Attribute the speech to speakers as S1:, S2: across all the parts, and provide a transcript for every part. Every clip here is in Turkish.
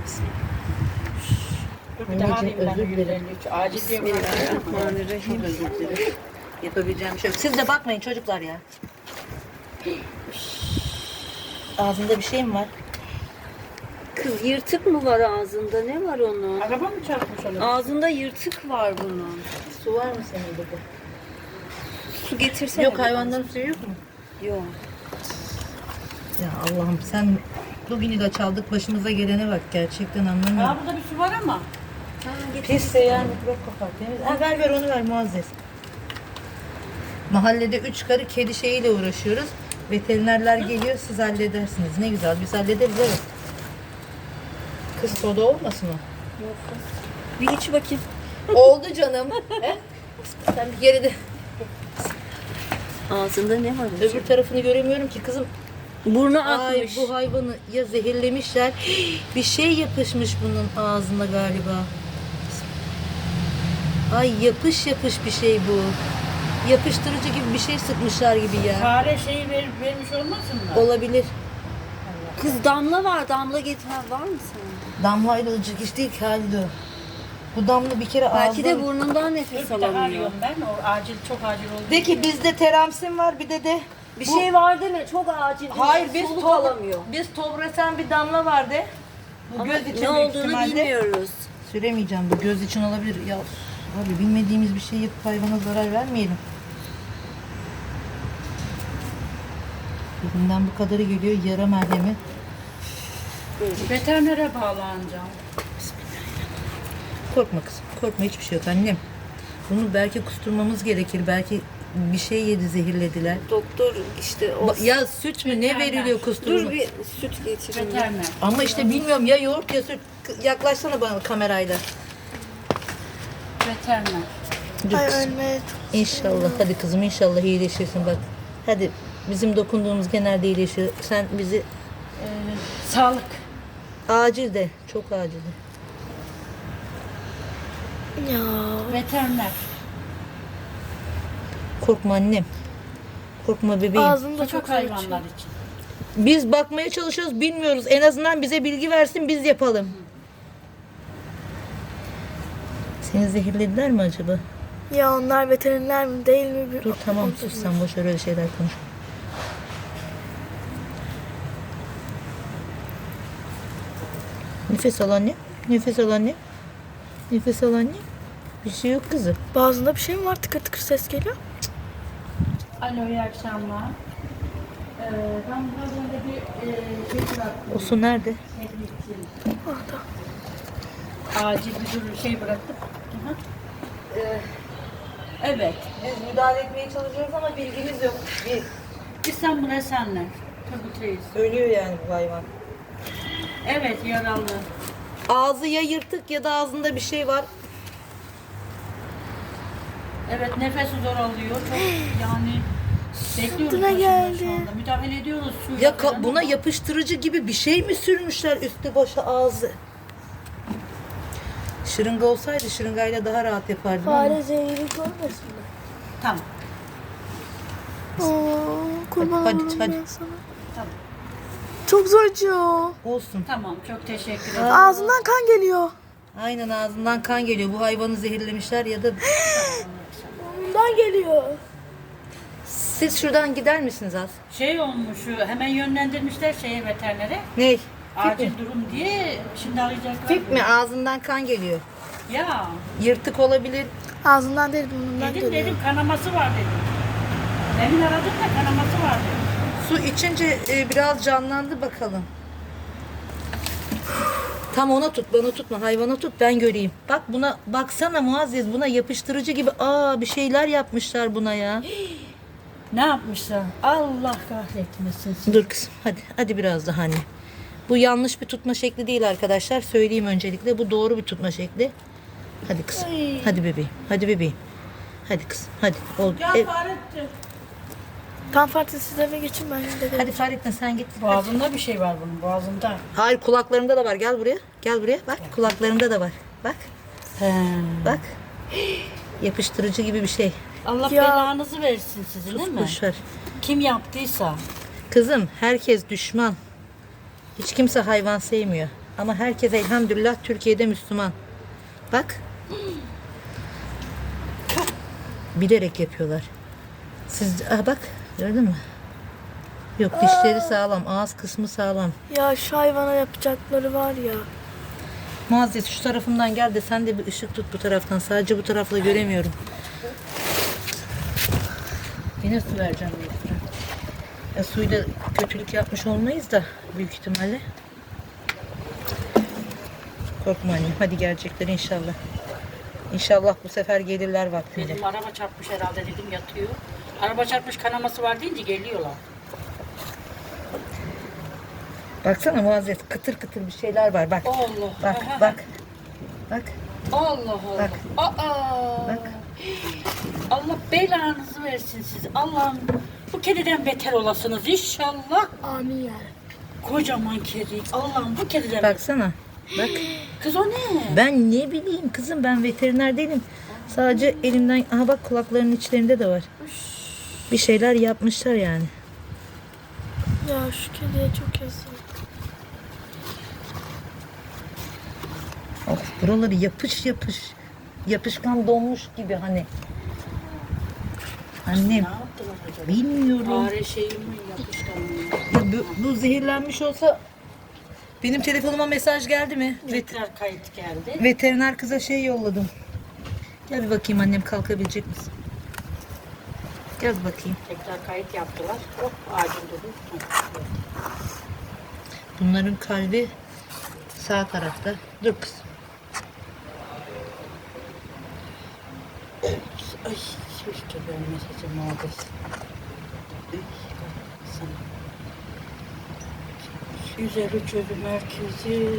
S1: Bir daha arayayım ben
S2: özür dilerim.
S1: 153. Acil diye
S2: Bismillahirrahmanirrahim. Özür dilerim. Yapabileceğim bir şey yok. Siz de bakmayın çocuklar ya. Ağzında bir şey mi var?
S3: Kız yırtık mı var ağzında? Ne var onun?
S1: Araba mı çarpmış olur?
S3: Ağzında yırtık var bunun.
S2: Su var mı senin burada?
S3: Su getirsene.
S2: Yok, hayvanların suyu yok mu?
S3: Yok.
S2: Ya Allah'ım, sen bugünü de çaldık, başımıza gelene bak, gerçekten anlamıyorum.
S1: Aa, burada bir su var ama.
S2: Pis de ya, mikrop kapar. Temiz. Ha, ver onu ver Muazzez. Mahallede 3 karı kedi şeyiyle uğraşıyoruz. Veterinerler geliyor, siz halledersiniz. Ne güzel, biz hallederiz, evet. Kız soda olmasın o?
S3: Yok kız. Bir iç bakayım.
S2: Oldu canım. He? Sen bir geride.
S3: Ağzında ne var?
S2: Öbür tarafını göremiyorum ki kızım.
S3: Burnu
S2: Ay,
S3: akmış.
S2: bu hayvanı ya zehirlemişler. Bir şey yapışmış bunun ağzına galiba. Ay, yapış bir şey bu. Yapıştırıcı gibi bir şey sıkmışlar gibi ya.
S1: Fare şeyi vermiş olmasın mı?
S2: Olabilir.
S3: Kız damla var. Damla getir. Var mı senin?
S2: Damlayla olacak iş değil ki Halide o. Bu damla bir kere
S3: Belki de
S2: ağzına...
S3: burnundan
S1: Dur
S3: nefes
S1: bir daha
S3: alamıyor.
S1: arıyorum ben. O acil, çok acil oldu.
S2: De ki bizde teramsin var, bir de
S3: Bir
S2: bu-
S3: şey var deme. Çok acil.
S2: Hayır, biz
S3: soluk alamıyor.
S2: biz tobresen bir damla vardı. Bu
S3: Ama
S2: göz için
S3: ne
S2: büyük
S3: olduğunu
S2: ihtimalle.
S3: bilmiyoruz.
S2: Süremeyeceğim, bu göz için olabilir. Ya abi, bilmediğimiz bir şey yapıp hayvana zarar vermeyelim. Birinden bu kadarı geliyor, yara merhemi.
S1: Veterinere bağlanacağım.
S2: Korkma kızım, korkma, hiçbir şey yok annem. Bunu belki kusturmamız gerekir, belki bir şey yedi, zehirlediler.
S3: Doktor işte o...
S2: Ya süt mü ne veriliyor kusturma?
S3: Dur bir süt getireyim.
S1: Veteriner.
S2: Ama işte bilmiyorum, ya yoğurt ya süt. Yaklaşsana bana kamerayla.
S1: Veteriner.
S2: Dur kızım. İnşallah, hadi kızım, inşallah iyileşirsin bak. Hadi, bizim dokunduğumuz genelde iyileşiyor. Sen bizi
S1: Sağlık.
S2: acil de, çok acil de.
S1: Veteriner.
S2: Korkma annem. Korkma bebeğim.
S4: Ağzımda
S1: Çok hayvanlar için.
S2: Biz bakmaya çalışıyoruz, bilmiyoruz. En azından bize bilgi versin, biz yapalım. Seni zehirlediler mi acaba?
S4: Ya onlar veteriner mi değil mi?
S2: Dur tamam, sus sen, boş ver öyle şeyler konuş. Nefes al anne. Nefes al anne. Nefes al anne. Bir şey yok kızım.
S4: Boğazında bir şey mi var? Tıkır tıkır ses geliyor.
S1: Alo, iyi akşamlar. Ben biraz önce bir şey bıraktım.
S2: O su nerede?
S4: Orada.
S1: Acil bir şey bıraktık. Hı hı. Evet.
S2: Biz müdahale etmeye çalışıyoruz ama bilgimiz yok.
S1: İstanbul Esenler. Turgut Reis.
S2: Ölüyor yani bu hayvan.
S1: Evet, yaralı.
S2: Ağzı ya yırtık ya da ağzında bir şey var.
S1: Evet, nefesi zor alıyor. Çok yani bekliyoruz
S4: Sırtına
S1: başında
S4: geldi.
S1: şu anda. Müdahale ediyoruz suyla
S2: Ya
S1: falan
S2: buna
S1: ama
S2: yapıştırıcı gibi bir şey mi sürmüşler üstü başı ağzı? Şırınga olsaydı şırıngayla daha rahat yapardım ama.
S4: Fare zehri görmesin mi?
S1: Tamam.
S4: Kurban
S2: Hadi,
S4: olurum
S2: hadi.
S4: ben sana.
S1: Tamam.
S4: Çok zor acıyor.
S2: Olsun.
S1: Tamam, çok teşekkür ederim.
S4: Ağzından kan geliyor.
S2: Aynen, ağzından kan geliyor. Bu hayvanı zehirlemişler ya da...
S4: Bundan geliyor.
S2: Siz şuradan gider misiniz az?
S1: Şey olmuş, hemen yönlendirmişler şeye, veterinere.
S2: Ney?
S1: Acil durum diye şimdi arayacaklar.
S2: Fip mi? Ağzından kan geliyor.
S1: Ya,
S2: Yırtık olabilir.
S4: Ağzından değil burnundan
S1: dedim
S4: geliyor.
S1: kanaması var dedim. Demin aradım da kanaması var dedim.
S2: Su içince biraz canlandı bakalım. Tam ona tut, bana tutma, hayvana tut, ben göreyim. Bak buna, baksana Muazzez, buna yapıştırıcı gibi bir şeyler yapmışlar buna ya.
S1: Ne yapmışlar? Allah kahretmesin.
S2: Dur kızım, hadi biraz daha anne. Bu yanlış bir tutma şekli değil arkadaşlar, söyleyeyim öncelikle. Bu doğru bir tutma şekli. Hadi kızım, hadi bebeğim, hadi bebeğim. Hadi kızım, hadi. Oldu.
S1: Fahrettin.
S4: Tam farklı siz eve geçin ben de.
S2: Hadi Fahrettin sen git.
S1: Boğazında bir şey var bunun, boğazında.
S2: Hayır, kulaklarımda da var, gel buraya. Gel buraya, bak kulaklarımda da var. Bak,
S1: He.
S2: bak. Yapıştırıcı gibi bir şey.
S1: Allah
S4: Ya.
S1: belanızı versin sizin değil mi?
S2: Boş ver.
S1: Kim yaptıysa.
S2: Kızım, herkes düşman. Hiç kimse hayvan sevmiyor. Ama herkes elhamdülillah Türkiye'de Müslüman. Bak. Bilerek yapıyorlar. Siz bak gördün mü? Yok, dişleri sağlam, ağız kısmı sağlam.
S4: Ya şu hayvana yapacakları var ya.
S2: Muazzez şu tarafımdan gel de sen de bir ışık tut bu taraftan. Sadece bu tarafla göremiyorum. Yine su vereceğim. Suyla kötülük yapmış olmayız da büyük ihtimalle. Korkma annem. Hadi gelecekler inşallah. İnşallah bu sefer gelirler vaktiyle.
S1: Dedim araba çarpmış herhalde dedim yatıyor. Araba çarpmış kanaması var deyince geliyorlar.
S2: Baksana Muazzez, kıtır kıtır bir şeyler var. Bak.
S1: Allah.
S2: Bak bak. Bak.
S1: Allah Allah.
S2: Bak.
S1: Aa.
S2: Bak.
S1: Allah belanızı versin siz. Allah'ım bu kediden beter olasınız inşallah.
S4: Amin ya.
S1: Kocaman kedi. Allah'ım bu kediden
S2: Baksana. Bak.
S1: Kız o ne?
S2: Ben ne bileyim kızım, ben veteriner değilim. Sadece elimden, aha bak kulaklarının içlerinde de var. Bir şeyler yapmışlar yani.
S4: Ya şu kediye çok yazık.
S2: Of, buraları yapış yapış. Yapışkan donmuş gibi hani. Annem
S1: Ne yaptılar acaba?
S2: bilmiyorum.
S1: Fare şeyi mi yapışkan mı?
S2: Ya bu zehirlenmiş olsa benim telefonuma mesaj geldi mi?
S1: Tekrar kayıt geldi.
S2: Veteriner kıza şey yolladım. Gel bir bakayım annem, kalkabilecek misin? Gel bir bakayım.
S1: Tekrar kayıt yaptılar. Hop ağacın dolu.
S2: Bunların kalbi sağ tarafta. Dur kız.
S1: Ay keşke görmeseydim muhabbet. Üzeri çözüm merkezi.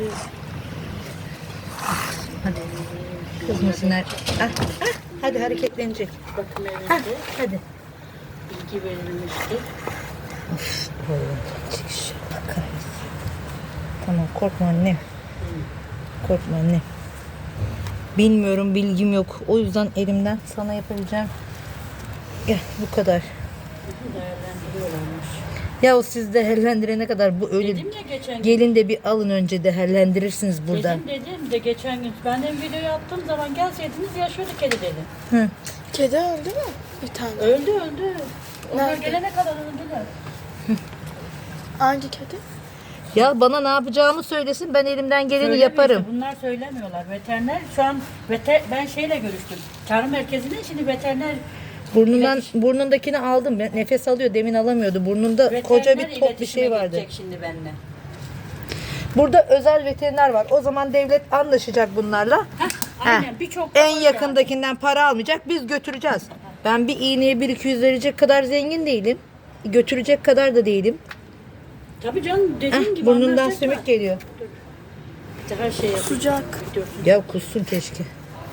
S2: Hadi. Kızmasınlar. Ah, ah, hadi hareketlenecek.
S1: Bakım
S2: Ah,
S1: evinde
S2: hadi.
S1: bilgi verilmişti.
S2: Oğlum, çık şu bakarız. Tamam, korkma annem. Korkma annem. Bilmiyorum, bilgim yok. O yüzden elimden sana yapabileceğim. Gel, bu kadar.
S1: Değerlendiriyorlarmış.
S2: Ya o siz değerlendirene kadar bu öyle.
S1: Dedim ya geçen gün.
S2: Gelin de bir alın önce, değerlendirirsiniz burada.
S1: Dedim de geçen gün. Ben de videoyu attığım zaman gelseydiniz yaşıyordu kedi dedim.
S2: Hı.
S4: Kedi öldü mü? Bir tane.
S1: Öldü. Onlar
S4: Nerede?
S1: gelene kadar öldüler.
S4: Hangi kedi?
S2: Ya bana ne yapacağımı söylesin, ben elimden geleni
S1: Söylemiyor
S2: yaparım.
S1: işte, bunlar söylemiyorlar. Veteriner şu an ben şeyle görüştüm. Çağrı merkezinde şimdi veteriner
S2: Burnundakini aldım. Nefes alıyor, demin alamıyordu. Burnunda koca bir top bir şey vardı.
S1: gidecek şimdi benimle.
S2: Burada özel veteriner var. O zaman devlet anlaşacak bunlarla.
S1: Aynen birçok
S2: En
S1: var
S2: yakındakinden para almayacak. Biz götüreceğiz. Ben bir iğneye 1-200 verecek kadar zengin değilim. Götürecek kadar da değilim.
S1: Tabii canım dediğin gibi
S2: Burnundan
S1: anlaşacaklar.
S2: sümük geliyor.
S1: Bir de her şey yapıyor.
S4: Sıcak.
S2: Ya kussun keşke.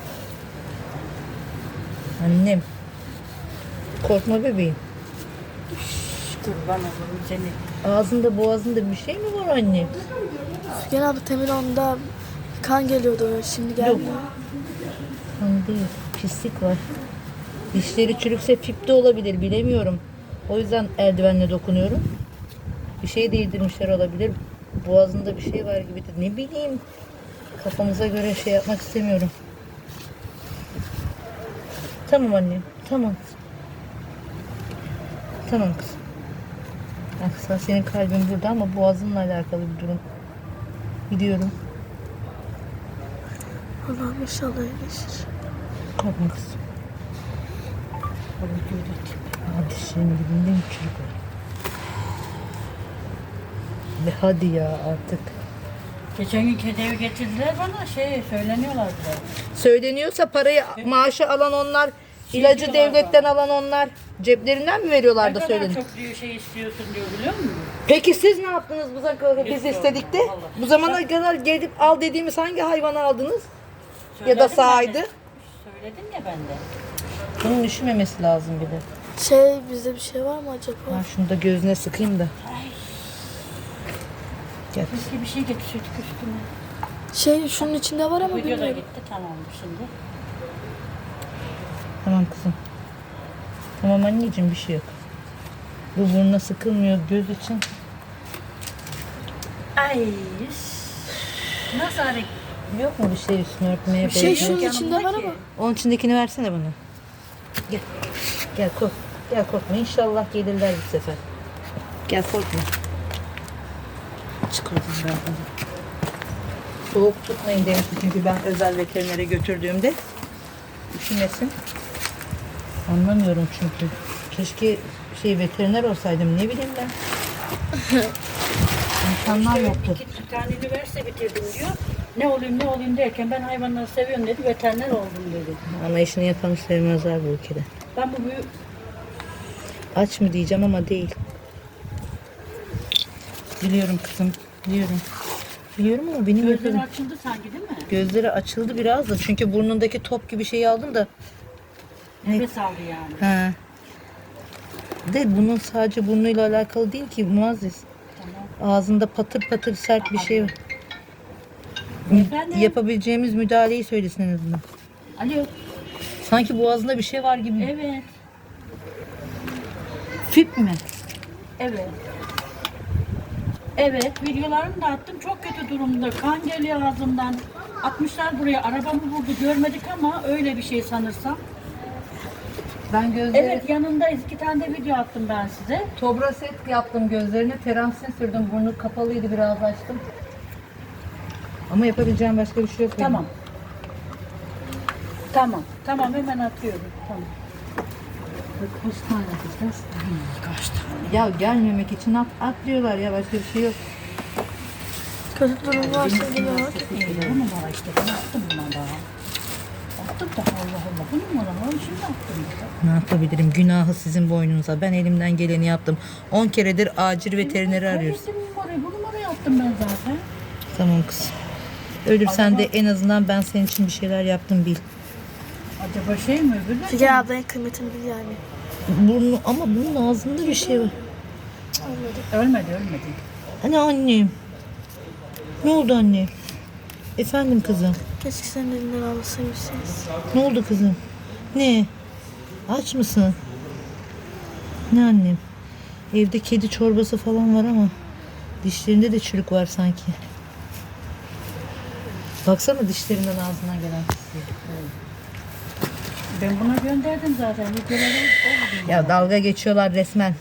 S2: Annem. Korkma bebeğim.
S1: Kurban olurum seni.
S2: Ağzında boğazında bir şey mi var anne?
S4: Sügen abla temin onda kan geliyordu. Şimdi gelmiyor.
S2: Hani değil. Pislik var. Dişleri çürükse fip de olabilir. Bilemiyorum. O yüzden eldivenle dokunuyorum. Bir şey değdirmişler olabilir. Boğazında bir şey var gibi de. Ne bileyim. Kafamıza göre şey yapmak istemiyorum. Tamam annem. Tamam. Tamam kızım. Aksa senin kalbin burada ama boğazınla alakalı bir durum. Biliyorum.
S4: Allah'ım inşallah iyileşir.
S2: Korkma kızım. Dişlerin dibinde mi çürük var? Ve hadi ya artık.
S1: Geçen gün kedi evi getirdiler bana söyleniyorlar bile.
S2: Söyleniyorsa parayı, maaşı alan onlar, ilacı
S1: diyorlar
S2: devletten alan onlar. Ceplerinden mi veriyorlar
S1: Ne
S2: da
S1: kadar
S2: söylenin?
S1: çok diyor istiyorsun diyor biliyor musun?
S2: Peki siz ne yaptınız biz
S1: Hiç
S2: istedik de?
S1: yok, vallahi.
S2: Bu zamana kadar gelip al dediğimiz hangi hayvanı aldınız? Ya da
S1: Söyledim
S2: sahaydı?
S1: ben de. Söyledim ya ben de.
S2: Bunun üşümemesi lazım bir de.
S4: Bizde bir şey var mı acaba?
S2: Ben şunu da gözüne sıkayım da. Gel.
S1: Biz bir şey getirseydik üstüne.
S4: Şunun içinde var ama
S1: Video da
S4: bilmiyorum.
S1: gitti tamam şimdi.
S2: Tamam kızım. Tamam anneciğim, bir şey yok. Bu burnuna sıkılmıyor göz için.
S1: Ay. Nasıl hareket?
S2: Yok mu bir şey üstüne örtmeye?
S4: Bir şey
S2: böyle?
S4: şunun içinde var ama.
S2: Onun içindekini versene bana. Gel. Gel kork. Gel korkma. İnşallah gelirler bu sefer. Gel korkma. Çıkardım ben bunu. Soğuk tutmayın demiştim çünkü ben özel veterinere götürdüğümde. Üşümesin. Anlamıyorum çünkü. Keşke veteriner olsaydım, ne bileyim ben. İmkanlar yoktu.
S1: İki tane üniversite bitirdim diyor. Ne olayım derken ben hayvanları seviyorum dedi. Veteriner oldum dedi.
S2: Ama işini yapanı sevmezler bu ülkede.
S1: Ben bu büyük
S2: Aç mı diyeceğim ama değil. Biliyorum kızım, biliyorum. Biliyorum ama benim
S1: gözleri
S2: gözlerim...
S1: açıldı sanki değil mi?
S2: Gözleri açıldı biraz da çünkü burnundaki top gibi şeyi aldım da.
S1: Nefes aldı yani.
S2: He. De bunun sadece burnuyla alakalı değil ki Muazzez. Ağzında patır patır sert bir şey var.
S1: Efendim?
S2: Yapabileceğimiz müdahaleyi söylesin en azından.
S1: Alo.
S2: Sanki boğazında bir şey var gibi.
S1: Evet.
S2: Fip mi?
S1: Evet. Evet, videolarını da attım. Çok kötü durumda. Kan geliyor ağzından. Atmışlar buraya. Arabamı vurdu. Görmedik ama öyle bir şey sanırsam.
S2: Ben gözleri...
S1: Evet, yanındayız. 2 tane de video attım ben size.
S2: Tobraset yaptım gözlerine. Teramsin sürdüm. Burnu kapalıydı, biraz açtım. Ama yapabileceğim başka bir şey yok.
S1: Tamam. Tamam, hemen atıyorum. Tamam. Kaç tane atacağız? Kaç tane?
S2: Ya gelmemek için at diyorlar ya, başka bir şey yok.
S4: Kötü durum varsa geliyor.
S1: Bu numara işte. Ben attım buna daha. Attım da Allah. Bu numara var. Şimdi attım.
S2: Ne yapabilirim? Günahı sizin boynunuza. Ben elimden geleni yaptım. 10 keredir acil veterineri arıyoruz.
S1: Bu numarayı attım ben zaten.
S2: Tamam kızım. Ölürsen de en azından ben senin için bir şeyler yaptım bil.
S1: Acaba şey mi öbürler?
S4: Figen ablanın kıymetini bil yani.
S2: Burnu, ama bunun ağzında bir şey var.
S1: Ölmedi.
S2: Hani annem? Ne oldu anne? Efendim kızım?
S4: Keşke senin elinden almasaymışsınız.
S2: Ne oldu kızım? Ne? Aç mısın? Ne annem? Evde kedi çorbası falan var ama dişlerinde de çürük var sanki. Baksana dişlerinden ağzından gelen pisliği.
S1: Ben buna gönderdim zaten. Videoları oldu.
S2: Ya dalga geçiyorlar resmen.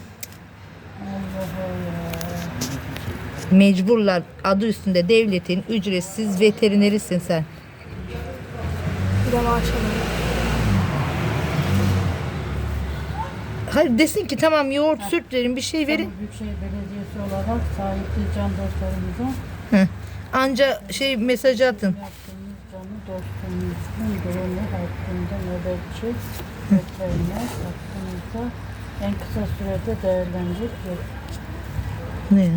S2: Mecburlar, adı üstünde devletin ücretsiz veterinerisin sen.
S4: Bir de maaş alalım.
S2: Hayır desin ki tamam yoğurt süt verin, bir şey verin.
S1: Büyükşehir Belediyesi olarak sahipli can dostlarımıza
S2: Heh. Anca mesajı atın.
S1: yaptığımız canı dostumuzun durumu hakkında nöbetçi veteriner hakkımızda en kısa sürede değerlenecek ve
S2: Ne?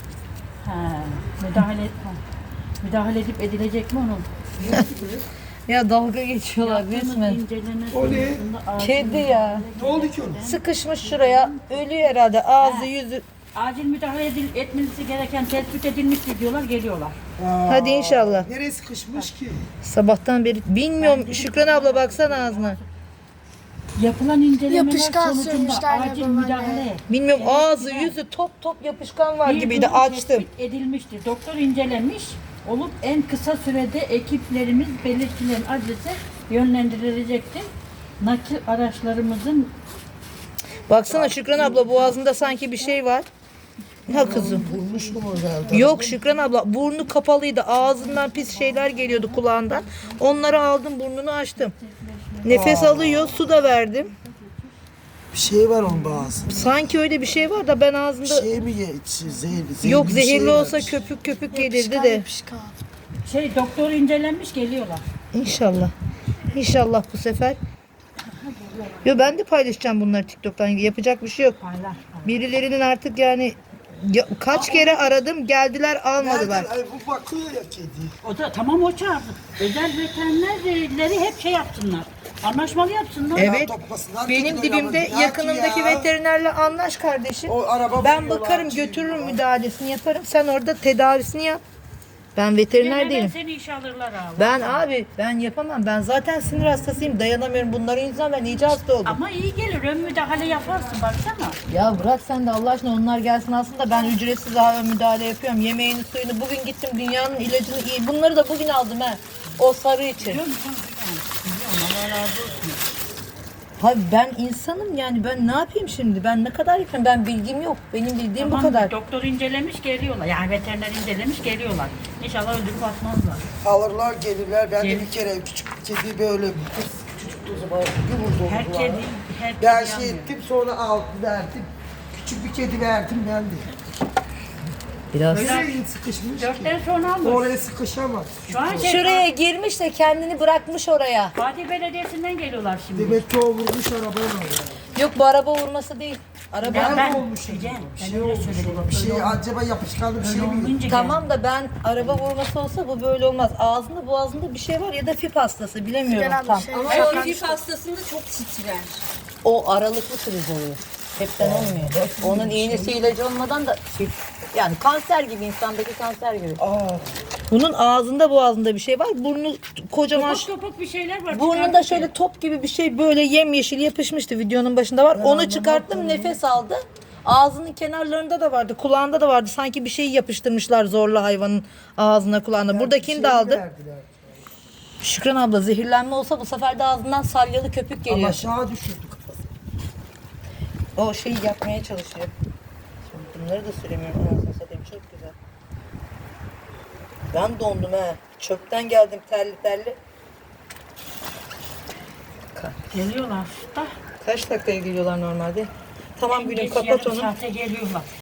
S1: müdahale edip edilecek mi onun?
S2: Ya dalga geçiyorlar resmen.
S5: O ne?
S2: Kedi ya.
S5: Ne oldu ki ona?
S2: Sıkışmış şuraya. Ölüyor herhalde. Ağzı yüzü.
S1: Acil müdahale etmesi gereken tespit edilmiştir diyorlar, geliyorlar.
S2: Hadi inşallah.
S5: Nereye sıkışmış ki?
S2: Sabahtan beri bilmiyorum. Şükran abla baksana ağzına.
S1: Yapılan incelemeler
S4: Yapışkan
S1: sonucunda
S4: sürmüşler
S1: acil
S4: babaanne.
S1: müdahale
S2: Bilmiyorum, ağzı yüzü top yapışkan var
S1: bir
S2: gibiydi.
S1: durum
S2: Açtım.
S1: tespit edilmiştir. Doktor incelemiş olup en kısa sürede ekiplerimiz belirtilen adrese yönlendirilecektir. Nakil araçlarımızın
S2: Baksana Şükran abla, boğazında sanki bir şey var. Ha kızım.
S5: Vurmuş mu orada?
S2: Yok Şükran abla, burnu kapalıydı. Ağzından pis şeyler geliyordu kulağından. Onları aldım, burnunu açtım. Nefes alıyor, su da verdim.
S5: Bir şey var onun boğazında.
S2: Sanki öyle bir şey var da ben
S5: Bir
S2: ağzımda...
S5: şey mi zehirli?
S2: Yok
S5: bir
S2: zehirli
S5: şey
S2: olsa
S5: var.
S2: köpük gelirdi
S4: Yapışkan
S2: de.
S4: yapışkan.
S1: doktor incelenmiş geliyorlar.
S2: İnşallah. İnşallah bu sefer. Yo ben de paylaşacağım bunları TikTok'tan. Yapacak bir şey yok.
S1: Paylaş.
S2: Birilerinin artık yani kaç kere aradım, geldiler almadılar.
S5: Nereden? Ay, bu bakıyor ya kedi.
S1: O da tamam, o çağırdı. Özel veterinerleri hep şey yapsınlar. Anlaşmalı yapsınlar.
S2: Evet.
S5: Toplasınlar,
S2: Benim
S5: kediler
S2: dibimde
S5: yalnız. Ya
S2: yakınımdaki
S5: ki ya.
S2: veterinerle anlaş kardeşim.
S5: O araba
S2: Ben
S5: buluyorlar,
S2: bakarım,
S5: şey
S2: götürürüm,
S5: diyorlar.
S2: müdahalesini yaparım. Sen orada tedavisini yap. Ben veteriner
S1: Hemen
S2: değilim.
S1: seni işe alırlar abi.
S2: Ben yapamam. Ben zaten sinir hastasıyım. Dayanamıyorum. Bunların yüzünden ben iyice hasta oldum.
S1: Ama iyi gelir. Ön müdahale yaparsın baksana.
S2: Ya bırak sen de Allah aşkına onlar gelsin aslında ben ücretsiz daha müdahale yapıyorum. Yemeğini suyunu bugün gittim dünyanın ilacını iyi. Bunları da bugün aldım he. O sarı için.
S1: Biliyor musun? Biliyorum. Allah razı olsun.
S2: Abi ben insanım yani ben ne yapayım şimdi? Ben ne kadar yapayım? Ben bilgim yok. Benim bildiğim
S1: Tamam,
S2: bu kadar.
S1: doktor incelemiş geliyorlar. Yani veteriner incelemiş geliyorlar. İnşallah öldürüp atmazlar.
S5: Alırlar gelirler. Ben de
S1: Gel.
S5: bir kere küçük bir kedi böyle küçük o zaman yumurta
S1: Her
S5: oldular.
S1: kedi, her kedi
S5: Ben
S1: yanmıyor.
S5: ettim sonra aldım verdim. Küçük bir kedi verdim ben de.
S2: Biraz.
S5: Nereye sıkışmış ki?
S1: 4'ten sonra almış.
S5: Oraya sıkışamaz.
S1: Şu an
S2: Şuraya girmiş de kendini bırakmış oraya.
S1: Fatih Belediyesi'nden geliyorlar şimdi.
S5: Demek ki o vurmuş arabayla. Yani.
S2: Yok bu araba vurması değil. Araba
S5: Nerede olmuş
S1: Ecem,
S5: acaba? Bir
S1: ben
S5: şey
S1: öyle
S5: olmuş
S1: söyledim.
S5: ona. Bir şey acaba yapışkanlı bir şey mi?
S1: olunca
S2: Tamam da ben araba vurması olsa bu böyle olmaz. Ağzında boğazında bir şey var ya da fip hastası bilemiyorum
S4: Figen abla
S2: tam.
S4: şey-
S3: Ama o hafif hastasında çok titrer.
S2: O aralıklı kriz oluyor. Hepten olmuyor. Onun iğnesi ilacı olmadan da yani kanser gibi insandaki kanser gibi. Bunun ağzında boğazında bir şey var. Burnu kocaman.
S1: Topuk topuk bir şeyler var.
S2: Burnunda
S1: çıkartıyor.
S2: şöyle top gibi bir şey böyle yemyeşil yapışmıştı videonun başında var. Onu çıkarttım nefes aldı. Ağzının kenarlarında da vardı, kulağında da vardı. Sanki bir şey yapıştırmışlar zorla hayvanın ağzına kulağına. Buradakini de aldı.
S5: Verdiler.
S2: Şükran abla zehirlenme olsa bu sefer de ağzından salyalı köpük
S5: Ama
S2: geliyor.
S5: aşağı düşürdü kafası.
S2: O şeyi yapmaya çalışıyor. Şimdi bunları da süremiyorum. Anasını satayım çok güzel. Ben dondum he. Çöpten geldim terli terli.
S1: Geliyorlar da.
S2: Kaç dakikaya geliyorlar normalde? Tamam gülüm
S1: Geç
S2: kapat
S1: yarım
S2: onu.
S1: saate geliyorlar.